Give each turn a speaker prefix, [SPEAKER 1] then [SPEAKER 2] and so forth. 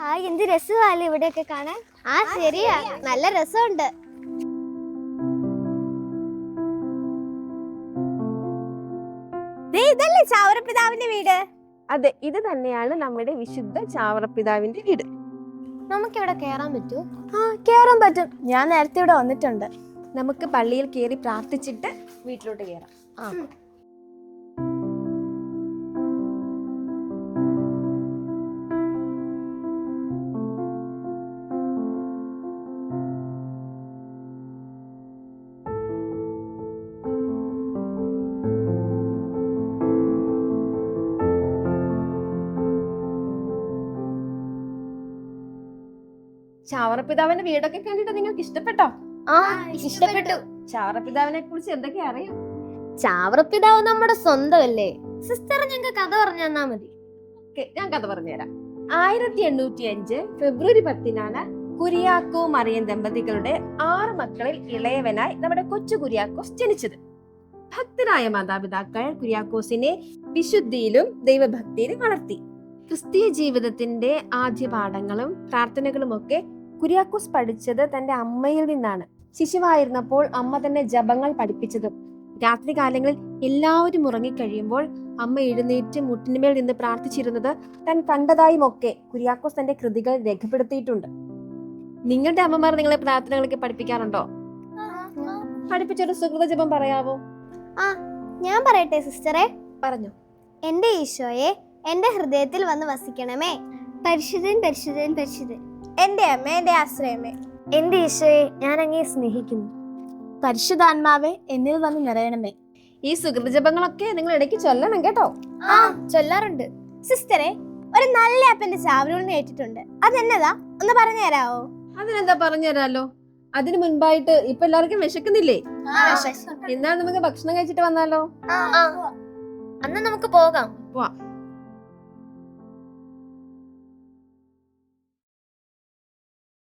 [SPEAKER 1] Hi, എന്ത് രസമല്ലേ ഇവിടെയൊക്കെ കാണാൻ. ആ ശരിയാ, നല്ല രസമുണ്ട്. ഇതല്ലേ ചാവറപ്പിതാവിന്റെ വീട്?
[SPEAKER 2] അതെ, ഇത് തന്നെയാണ് നമ്മുടെ വിശുദ്ധ ചാവറപ്പിതാവിന്റെ വീട്.
[SPEAKER 1] നമുക്കിവിടെ കേറാൻ പറ്റൂ?
[SPEAKER 3] ആ, കേറാൻ പറ്റും. ഞാൻ നേരത്തെ ഇവിടെ വന്നിട്ടുണ്ട്.
[SPEAKER 2] നമുക്ക് പള്ളിയിൽ കയറി പ്രാർത്ഥിച്ചിട്ട് വീട്ടിലോട്ട് കയറാം. ചാവറപ്പിതാവിന്റെ വീടൊക്കെ കണ്ടിട്ട് നിങ്ങൾക്ക് ഇഷ്ടപ്പെട്ടോ?
[SPEAKER 1] ആ, ഇഷ്ടപ്പെട്ടു.
[SPEAKER 2] ചാവറപ്പിതാവിനെ കുറിച്ച് എന്തൊക്കെ അറിയാം?
[SPEAKER 1] ചാവറപ്പിതാവ് നമ്മുടെ സ്വന്തമല്ലേ. സിസ്റ്റർ ഞങ്ങൾക്ക് കഥ പറഞ്ഞു തന്നാ മതി.
[SPEAKER 2] ഞാൻ കഥ പറഞ്ഞുതരാം. 1805 ഫെബ്രുവരി 10 കുര്യാക്കോ മറിയം ദമ്പതികളുടെ 6 മക്കളിൽ ഇളയവനായി നമ്മുടെ കൊച്ചു കുര്യാക്കോസ് ജനിച്ചത്. ഭക്തരായ മാതാപിതാക്കൾ കുര്യാക്കോസിനെ വിശുദ്ധിയിലും ദൈവഭക്തിയിലും വളർത്തി. ക്രിസ്തീയ ജീവിതത്തിന്റെ ആദ്യ പാഠങ്ങളും പ്രാർത്ഥനകളും ഒക്കെ കുര്യാക്കോസ് പഠിച്ചത് തന്റെ അമ്മയിൽ നിന്നാണ്. ശിശുവായിരുന്നപ്പോൾ അമ്മ തന്നെ ജപങ്ങൾ പഠിപ്പിച്ചതും രാത്രി കാലങ്ങളിൽ എല്ലാവരും ഉറങ്ങിക്കഴിയുമ്പോൾ അമ്മ എഴുന്നേറ്റ് മുട്ടിന്മേൽ നിന്ന് പ്രാർത്ഥിച്ചിരുന്നത് താൻ കണ്ടതായും ഒക്കെ കുര്യാക്കോസ് തന്റെ കൃതികൾ രേഖപ്പെടുത്തിയിട്ടുണ്ട്. നിങ്ങളുടെ അമ്മമാർ നിങ്ങളെ പ്രാർത്ഥനകളൊക്കെ പഠിപ്പിക്കാറുണ്ടോ? പഠിപ്പിച്ചൊരു സുഹൃത ജപം പറയാവോ?
[SPEAKER 1] ആ, ഞാൻ പറയട്ടെ സിസ്റ്ററെ?
[SPEAKER 2] പറഞ്ഞു.
[SPEAKER 1] എന്റെ ഈശോയെ, എന്റെ ഹൃദയത്തിൽ വന്ന് വസിക്കണമേ. പരിശുദ്ധൻ പരിശുദ്ധൻ പരിശുദ്ധൻ.
[SPEAKER 3] എന്റെ അമ്മ, എന്റെ ആശ്രയമേ.
[SPEAKER 1] എന്റെ ഈശോയെ, ഞാൻ അങ്ങേ സ്നേഹിക്കുന്നു.
[SPEAKER 3] പരിശുദ്ധാത്മാവെ, എന്നിൽ വന്ന് നിറയണമേ.
[SPEAKER 2] ഈ സുഹൃത ജപങ്ങളൊക്കെ നിങ്ങൾ ഇടയ്ക്ക് ചൊല്ലണം കേട്ടോ.
[SPEAKER 1] ആ, ചൊല്ലാറുണ്ട്.
[SPEAKER 3] സിസ്റ്ററെ, ഒരു നല്ല അപ്പന്റെ ചാവറൂളിന് കേട്ടിട്ടുണ്ട്. അതെന്നതാ, ഒന്ന് പറഞ്ഞു തരാവോ?
[SPEAKER 2] അതിനെന്താ പറഞ്ഞു തരാലോ. അതിനു മുൻപായിട്ട് ഇപ്പൊ എല്ലാവർക്കും വിശക്കുന്നില്ലേ? എന്നാൽ നമുക്ക് ഭക്ഷണം കഴിച്ചിട്ട് വന്നാലോ?
[SPEAKER 1] അന്ന് നമുക്ക് പോകാം.
[SPEAKER 2] പോവാം.